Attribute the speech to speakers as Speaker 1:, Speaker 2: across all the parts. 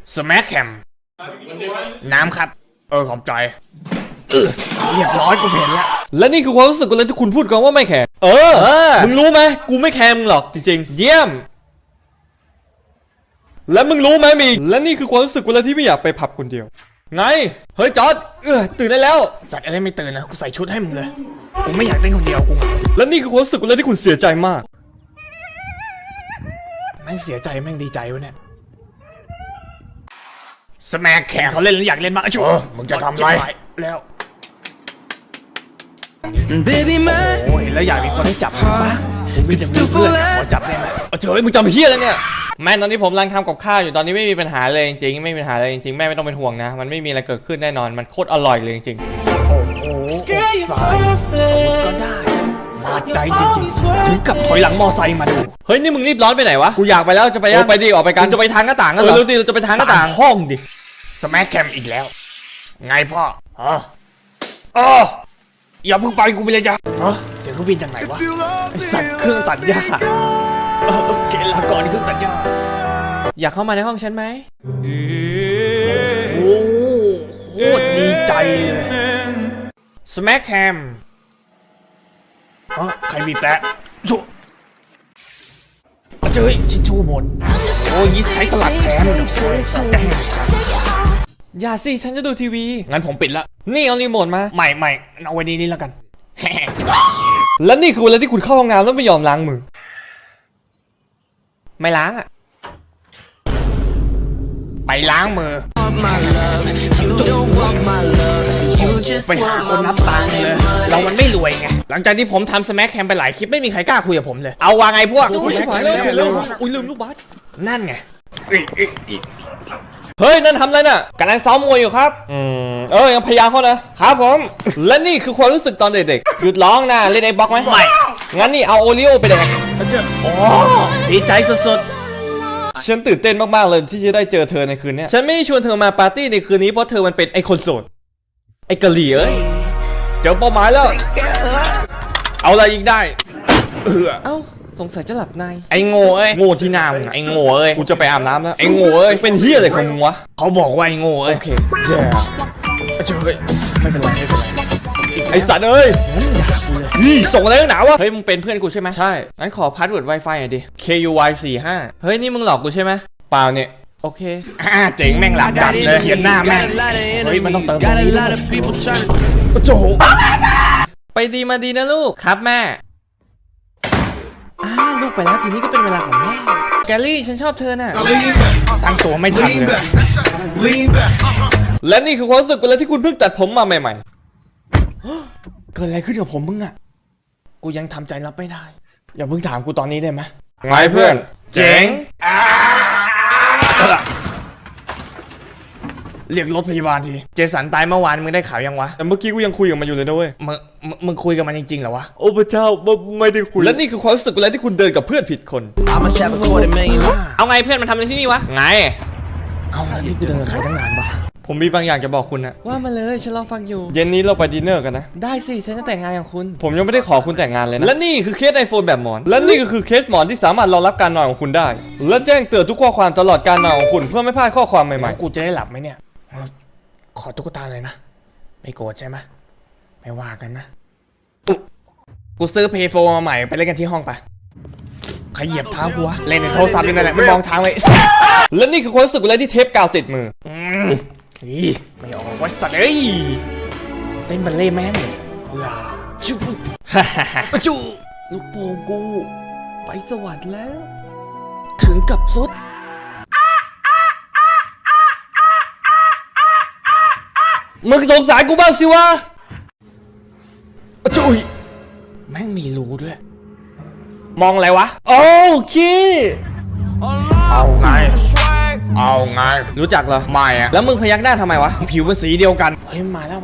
Speaker 1: สแม็คแคมน้ำครับขอบใจเรียบร้อยกูเห็นแล้ว
Speaker 2: และนี่คือความรู้สึกกูเลยที่คุณพูดกันว่าไม่แคร์มึงรู้ไหมกูไม่แคร์มึงหรอกจริงๆเยี่ยมและมึงรู้ไหมมีและนี่คือความรู้สึกกูเลยที่ไม่อยากไปผับคนเดียวไงเฮ้ยจอร์ดตื่นได้แล้ว
Speaker 1: สัตว์อะไรไม่ตื่นนะกูใส่ชุดให้มึงเลยกูไม่อยากเต้นคนเดียวกู
Speaker 2: และนี่คือความรู้สึกกูเลยที่คุณเสียใจมาก
Speaker 1: แม่งเสียใจแม่งดีใจวะเนี่ยสแม็คแคมเขาเล่นแล้วอยากเล่นมากชัวมึงจะทำไรแล้วโอ้ยแล้วอยากมีคนให้จับบ้างผมมีแต่เพื่อนขอจับได้ไหม
Speaker 2: เฉยมึงจำเฮี้ยแล้วเนี่ยแม่ตอนนี้ผมกำลังทำกับข้าวอยู่ตอนนี้ไม่มีปัญหาเลยจริงๆไม่มีปัญหาเลยจริงๆแม่ไม่ต้องเป็นห่วงนะมันไม่มีอะไรเกิดขึ้นแน่นอนมันโคตรอร่อยเลยจริง
Speaker 1: ๆโอ้โหสายก็ได้มาใจจริงๆถึงกับถอยหลังมอไซค์มาดู
Speaker 2: เฮ้ยนี่มึงรีบร้อนไปไหนวะกูอยากไปแล้วจะไปยังไปดิออกไปกันจะไปทางหน้าต่างกันเหรอเร็วดิเราจะไปทางหน้าต่างห้องดิ
Speaker 1: สแม็คแคมอีกแล้วไงพ่ออย่าเพิ่งไปกูไปเลยจ้ะเสียงเครื่องบินจากไหนวะไอสัตว์เครื่องตัดหญ้าเกลาก่อนเครื่องตัดหญ้า
Speaker 2: อยากเข้ามาในห้องฉันไหม
Speaker 1: โอ้โคตรดีใจเลยสแม็คแคมใครบีบแตะชูเจ้ยชิชูหมดโอ้ยใช้สลัดแทน
Speaker 2: อย่าสิฉันจะดูทีวี
Speaker 1: งั้นผมปิดละ
Speaker 2: นี่เอารีโมทมา
Speaker 1: ไม่เอาไว้นี่แล้วกัน
Speaker 2: และนี่คือเวลาที่คุณเข้าห้องน้ำแล้วไม่ยอมล้างมือไม่ล้างอ่ะ
Speaker 1: ไปล้างมือไปหาคนนับตังค์เลยเรามันไม่รวยไงหลังจากที่ผมทำสแม็คแคมไปหลายคลิปไม่มีใครกล้าคุยกับผมเลยเอาว่าไงพวก
Speaker 2: อุ้ยลืมลูกบาส
Speaker 1: นั่นไง
Speaker 2: เฮ้ยนั่นทำอะไรน่ะกำลังซ้อมมวยอยู่ครับยังพยายามเขานะครับผมและนี่คือความรู้สึกตอนเด็กๆหยุดร้องนะเล่นไอ้บล็อกไหม
Speaker 1: ไม่
Speaker 2: งั้นนี่เอาโอริโอไปแดก
Speaker 1: ดีใจสุด
Speaker 2: ๆฉันตื่นเต้นมากๆเลยที่จะได้เจอเธอในคืนนี้ฉันไม่ได้ชวนเธอมาปาร์ตี้ในคืนนี้เพราะเธอมันเป็นไอ้คนโสดไอ้กะหรี่เจอเป้าหมายแล้วเอาอะไรอีกได้เอ้าสงสัยจะหลับใน
Speaker 1: ไอ้โง่
Speaker 2: โง่ที่หน้ามึงไอ้โง่กูจะไปอาบน้ำแล้วไอ้โง่เป็นเฮี้ยอะไรของมึงวะ
Speaker 1: เขาบอกว่าไอ้โง่
Speaker 2: โอเคเจ้า
Speaker 1: ไม่เป็นไร
Speaker 2: ไอ้สัตว์ส่งอะไรหนาวะเฮ้ยมึงเป็นเพื่อนกูใช่ไหมใช่งั้นขอพาสเวิร์ด Wi-Fi หน่อยดิ KUY45เฮ้ยนี่มึงหลอกกูใช่ไหมเปล่าเนี่ยโอเค
Speaker 1: เจ๋งแม่งหลับจัดเลยเขียนหน้าแม่งเฮ้ยมันต้องเติมตรงนี้โจ
Speaker 2: ไปดีมาดีนะลูกครับแม่ลูกไปแล้วทีนี้ก็เป็นเวลาของแม่แกลลี่ฉันชอบเธอน่ะ
Speaker 1: ตั้งตัวไม่ทันเลย
Speaker 2: และนี่คือความรู้สึกเวลาที่คุณเพิ่งตัดผมมาใหม่ๆเกิดอะไรขึ้นกับผมมึงอ่ะ
Speaker 1: กูยังทำใจรับไม่ได้อย่าเพิ่งถามกูตอนนี้ได้ไหม
Speaker 2: ไงเพื่อนเจ๋ง
Speaker 1: เรียกรถพยาบาลทีเจสันตายเมื่อวานมึงได้ข่าวยังวะ
Speaker 2: แต่เมื่อกี้กูยังคุยกับมันอยู่เลยนะเว้ย
Speaker 1: มึงคุยกับมันจริงๆเหรอวะ
Speaker 2: โอ้พระเจ้าไม่ได้คุยและนี่คือความรู้สึกเวลาที่คุณเดินกับเพื่อนผิดคนเอาไงเพื่อนมันทำอะไรที่นี่วะไง
Speaker 1: เอานี่กูเดินกับใครตั้งนานปะ
Speaker 2: ผมมีบางอย่างจะบอกคุณนะว่ามาเลยฉันรอฟังอยู่เย็นนี้เราไปดินเนอร์กันนะได้สิฉันจะแต่งงานกับคุณผมยังไม่ได้ขอคุณแต่งงานเลยนะและนี่คือเคสไอโฟนแบบหมอนและนี่ก็คือเคสหมอนที่สามารถรองรับการนอนของคุณได้และแจ้งเตือนทุกข้อความตลอดการนอนของคุณเพื่อไม่พลาดข้อความใหม่
Speaker 1: ๆกูจะได้หลับไหมเนี่ยขอตุ๊กตาเลยนะไม่โกรธใช่ไหมไม่ว่ากันนะกูซื้อเพย์โฟมาใหม่ไปเล่นกันที่ห้องไปใครเหยียบเท้ากูวะเล่นในโทรศัพท์ยังไงแหละไม่มองทางเลย
Speaker 2: และนี่คือความรู้สึกอะไรที่เทปกาวติดมือ
Speaker 1: ไม่ออกว่าสัตว์เอ้ยเต้นบัลเล่แมนเลยจูจูลูกโป่งกูไปสวรรค์แล้วถึงกับสุด
Speaker 2: มึงสงสารกูบ้างสิวะ
Speaker 1: จุยแม่งมีรูด้วยมองอะไรวะ
Speaker 2: โอเค
Speaker 1: เอาไง
Speaker 2: รู้จักเหรอ
Speaker 1: ไม่อะ
Speaker 2: แล้วมึงพยักหน้าทำไมวะ
Speaker 1: ผิวเป็นสีเดียวกันเฮ้ยมาแล้ว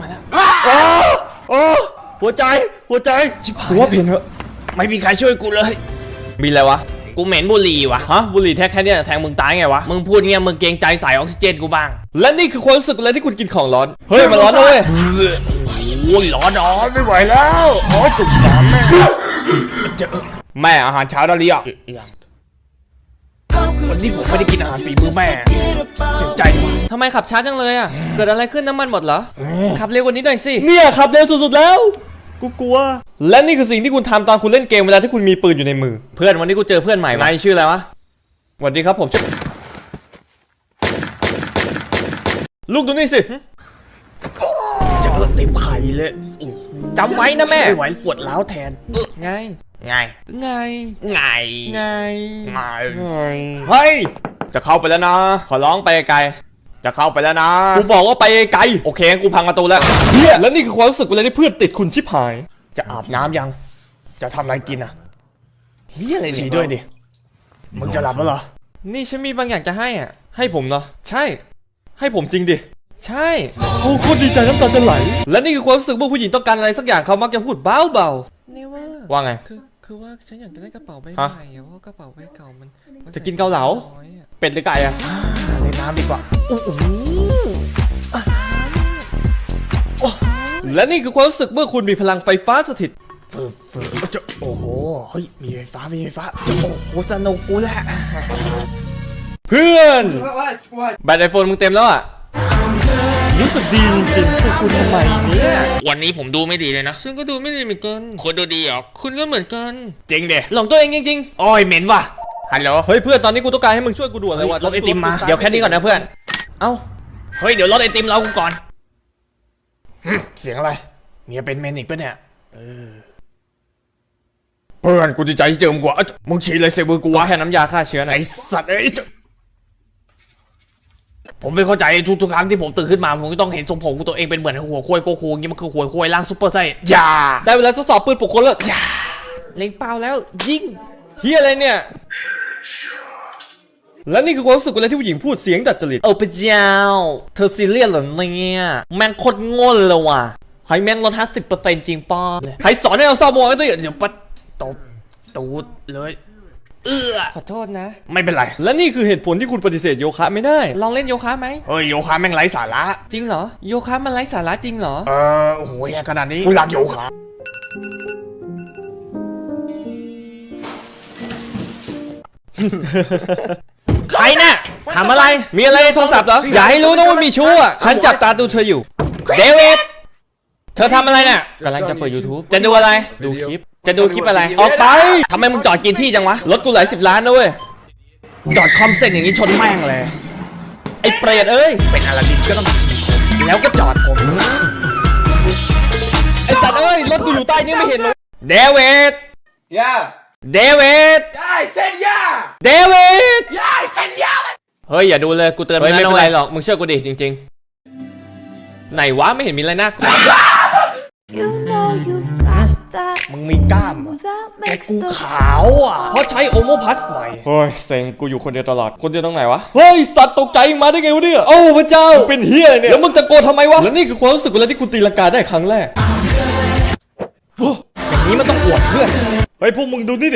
Speaker 2: หัวใจ
Speaker 1: ชิบหาย
Speaker 2: หัวเพี้ยนเหอะ
Speaker 1: ไม่มีใครช่วยกูเลย
Speaker 2: มีอะไรวะ
Speaker 1: กูเหม็นบุหรี่วะ
Speaker 2: บุหรี่แค่เนี้ยแทงมึงตายไงวะ
Speaker 1: มึงพูดเงี้ยมึงเกรงใจสายออกซิเจนกูบ้าง
Speaker 2: และนี่คือความรู้สึกอะไรที่คุณกินของร้อนเฮ้ยมันร้อนเลย
Speaker 1: โอ้ยร้อนไม่ไหวแล้วจุกร้อนแม่อาหารเช้าได้หรือยังวันนี้ผมไม่ได้กินอาหารฝีมือแม่เสียใจจ
Speaker 2: ทำไมขับช้าจังเลยอ่ะเกิดอะไรขึ้นน้ำมันหมดเหรอขับเร็วกว่านี้หน่อยสิเนี่ยขับเร็วสุดๆแล้วกูกลัวและนี่คือสิ่งที่คุณทำตอนคุณเล่นเกมเวลาที่คุณมีปืนอยู่ในมือเพื่อนวันนี้กูเจอเพื่อนใหม่นายชื่ออะไรวะสวัสดีครับผมชื่อลูกดูนี่สิ
Speaker 1: เจอเต็มไข่เลย
Speaker 2: จำไว้นะแม่
Speaker 1: ไม่ไหวปวดร้าวแทน
Speaker 2: ไง
Speaker 1: ไง
Speaker 2: ไง
Speaker 1: ไง
Speaker 2: ไง
Speaker 1: ไง
Speaker 2: เฮ้ยจะเข้าไปแล้วนะขอร้องไปไกลจะเข้าไปแล้วนะกูบอกว่าไปไกลโอเคกูพังประตูแล้วเฮียแล้วนี่คือความรู้สึกเวลาที่เพื่อนติดคุณชิบหาย
Speaker 1: จะอาบน้ำยัง จะทำอะไรกินอ่ะ
Speaker 2: เฮียอะไร
Speaker 1: ฉี่ด้วยดิ มึงจะหลับแล้วเหรอ
Speaker 2: นี่ฉันมีบางอย่างจะให้อ่ะให้ผมเนาะใช่ให้ผมจริงดิใช่โอ้โคตรดีใจน้ำตาจะไหลและนี่คือความรู้สึกเมื่อผู้หญิงต้องการอะไรสักอย่างเขามักจะพูดเบาๆนี่ว่าไงคือว่าฉันอยากจะได้กระเป๋าใบใหม่เพราะกระเป๋าใบเก่ามันจะกินเกาเหลาเป็ดหรือไก่อะ
Speaker 1: เล่นน้ำดีกว่า
Speaker 2: และนี่คือความรู้สึกเมื่อคุณมีพลังไฟฟ้าสถิต
Speaker 1: โอ้โห เฮ้ย มีไฟฟ้า มีไฟฟ้า โอ้โห สนุกกูแหละ
Speaker 2: เพื่อนแบตไอโฟนมึงเต็มแล้วอะรู้สึกดีจริงๆพวกคุณทำไมเนี่ย
Speaker 1: วันนี้ผมดูไม่ดีเลยนะ
Speaker 2: ฉันก็ดูไม่ดีเหมือนกัน
Speaker 1: คุณดูดีเหรอ
Speaker 2: คุณก็เหมือนกัน
Speaker 1: จริงเด
Speaker 2: หลงตัวเองจริงๆ
Speaker 1: โอ้ยเหม็นว่ะ ฮัลโหล
Speaker 2: เฮ้ยเพื่อนตอนนี้กูต้องการให้มึงช่วยกูด่วนเลยว่ะ
Speaker 1: รถไอติมมา
Speaker 2: เดี๋ยวแค่นี้ก่อนนะเพื่อนเอ้า
Speaker 1: เฮ้ย เดี๋ยวรถไอติมเรากูก่อน เสียงอะไร เมียเป็นเมนิกปะเนี่ยเพื่อนกูดีใจที่เจอมึงกว่ามึงฉีดอะไรใส่มือกูวะ
Speaker 2: แค่น้ำยาฆ่าเชื้อนะ
Speaker 1: ไอสัตว์เอ้ยผมไม่เข้าใจทุกครั้งที่ผมตื่นขึ้นมาผมก็ต้องเห็นทรงผมของตัวเองเป็นเหมือนหัวควายโกคูอย่างนี้มันคือหัวควายล่างซุปเปอร์ไซส์อย่า
Speaker 2: ได้เวลาทดสอบปืนปลุกคนแล้วอย่าเล็งเป้าแล้วยิงเฮียอะไรเนี่ยและนี่คือความรู้สึกเวลาที่ผู้หญิงพูดเสียงดัดจริตโอ้พระเจ้าเธอซีเรียสเหรอเนี่ยแม่งโคตรโง่เลยว่ะให้แม่งลด50%จริงป้าให้สอนให้เราเศร้าโมงกันด้วย
Speaker 1: เดี๋ยวปัดตบตูดเลย
Speaker 2: ขอโทษนะ
Speaker 1: ไม่เป็นไร
Speaker 2: และนี่คือเหตุผลที่คุณปฏิเสธโยคะไม่ได้ลองเล่นโยคะไหม
Speaker 1: เฮ้ยโยคะแม่งไร้สาระ
Speaker 2: จริงเหรอโยคะมันไร้สาระจริงเหรอ
Speaker 1: โอ้โหแย่ขนาดนี้กูรักโยคะ
Speaker 2: ใครน่ะทำอะไรมีอะไรในโทรศัพท์เหรออย่าให้รู้นะว่ามีชู้อ่ะฉันจับตาดูเธออยู่เดวิดเธอทำอะไรน่ะกำลังจะเปิด YouTube จะดูอะไรดูคลิปจะดูคลิปอะไรออกไปทำไมมึงจอดกินที่จังวะรถกูหลาย10 ล้านนะเว้ย
Speaker 1: จอดคอมเซ็นอย่างนี้ชนแม่งเลย
Speaker 2: ไอ้เปรตเอ้ย
Speaker 1: เป็นอลาดินก็ต้องขี่ผมแล้วก็จอดผม
Speaker 2: ไอ้สัตว์เอ้ยรถกูอยู่ใต้นี่ไม่เห็นเลยเดวิดเดวิดเดวิดเฮ้ยอย่าดูเลยกูเตือนมึงแล้วไม่เป็นไรหรอกมึงเชื่อกูดิจริงๆไหนวะไม่เห็นมีอะไรน่ากลัว
Speaker 1: มึงมีกล้ามเหรอแต่กูขาวอ่ะ
Speaker 2: เพราะใช้โอโมพัสใหม่เฮ้ยเซ็งกูอยู่คนเดียวตลอดคนเดียวตรงไหนวะเฮ้ยสัตว์ตกใจมาได้ไงวะเนี่ยโอ้พระเจ้าเป็นเฮียเนี่ยแล้วมึงตะโกนทำไมวะแล้วนี่คือความรู้สึกเวลาที่กูตีลังกาได้ครั้งแรก
Speaker 1: อย่างนี้มันต้องอวดเพื่อน
Speaker 2: เฮ้ยพวกมึงดูนี่ดิ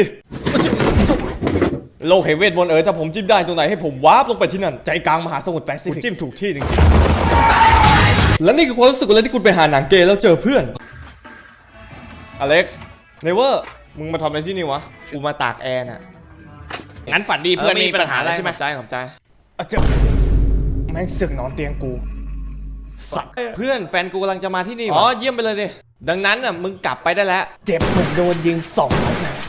Speaker 2: โลกแห่งเวทมนต์ถ้าผมจิ้มได้ตรงไหนให้ผมวาร์ปลงไปที่นั่น
Speaker 1: ใจกลางมหาสมุทรแปซิฟิก
Speaker 2: จิ้มถูกที่จริงๆและนี่คือความรู้สึกเวลาที่คุณไปหาหนังเกย์แล้วเจอเพื่อนอเล็กซ์เนเวอร์มึงมาทำอะไรที่นี่วะกูมาตากแอร์น่ะ
Speaker 1: งั้นฝันดีเพื่อนมีปัญหาอะไรใช่ไหม
Speaker 2: ขอบใจ
Speaker 1: แม่งสึกนอนเตียงกู
Speaker 2: สัตว์เพื่อนแฟนกูกำลังจะมาที่นี่อ๋อเยี่ยมไปเลยดิดังนั้นน่ะมึงกลับไปได้แล้ว
Speaker 1: เจ็บเหมือนโดนยิง2 นัดนะ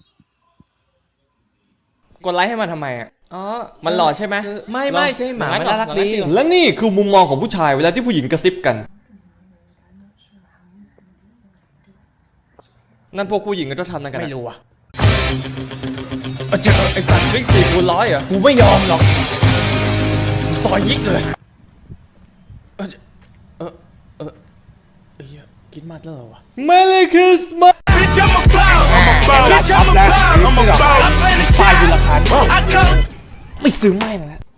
Speaker 2: กดไลค์ให้มันทำไมอ่ะอ๋อมันหล่อใช่ไหมไม่ใช่หมามันน่ารักดีและนี่คือมุมมองของผู้ชายเวลาที่ผู้หญิงกระซิบกันนั่นพวกผู้หญิงก็ต้องทำนั่นกัน
Speaker 1: ไม่รู้อ่ะ
Speaker 2: ไอสัตว์ฟิก4 คูณ 100อ่ะ
Speaker 1: กูไม่ยอมหรอกซอยยิกเลยคิดมากแล้วเหรอวะ
Speaker 2: Merry Christmas
Speaker 1: ป้ายอยู่ราคาไม่ซื้อแม่งแล้ว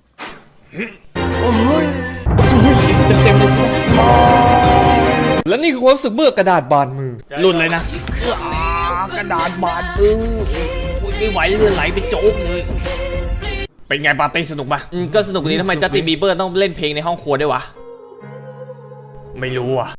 Speaker 2: จุยเต็มเลยสิและนี่คือความรู้สึกเมื่อกระดาษบานมือ
Speaker 1: หลุดเลยนะกระดาษบานมือไม่ไหวเลยไหลไปโจ๊กเลยเป็นไงปาร์ตี้สนุกปะ
Speaker 2: ก็สนุกดีทำไมจัสตินบีเบอร์ต้องเล่นเพลงในห้องครัวด้วยวะ
Speaker 1: ไม่รู้อ่ะ